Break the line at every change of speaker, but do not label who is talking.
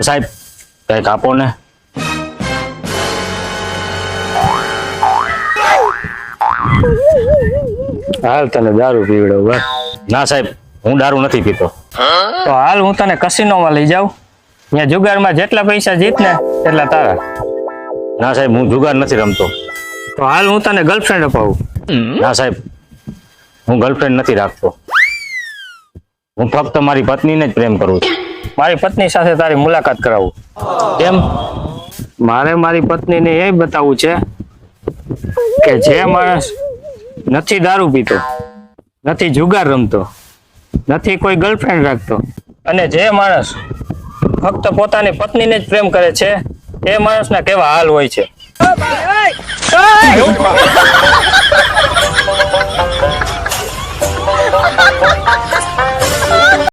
સાહેબ કંઈક આપો ને.
હાલ તને દારૂ પીવડાવ બસ.
ના સાહેબ, હું દારૂ નથી પીતો.
તો હાલ હું તને કસિનોમાં લઈ જાઉં. ત્યાં જુગારમાં જેટલા પૈસા જીત ને એટલા તારા.
ના સાહેબ, હું જુગાર નથી રમતો.
તો હાલ હું તને ગર્લફ્રેન્ડ અપાવું.
ના સાહેબ, હું ગર્લફ્રેન્ડ નથી રાખતો. હું ફક્ત મારી પત્નીને જ પ્રેમ કરું છું.
મારી પત્ની સાથે તારી મુલાકાત કરાવું.
કેમ?
મારે મારી પત્નીને એ બતાવવું છે કે જે માણસ નથી દારૂ પીતો, નથી જુગાર રમતો, નથી કોઈ ગર્લફ્રેન્ડ રાખતો અને જે માણસ ફક્ત પોતાની પત્નીને જ પ્રેમ કરે છે એ માણસના કેવા હાલ હોય છે.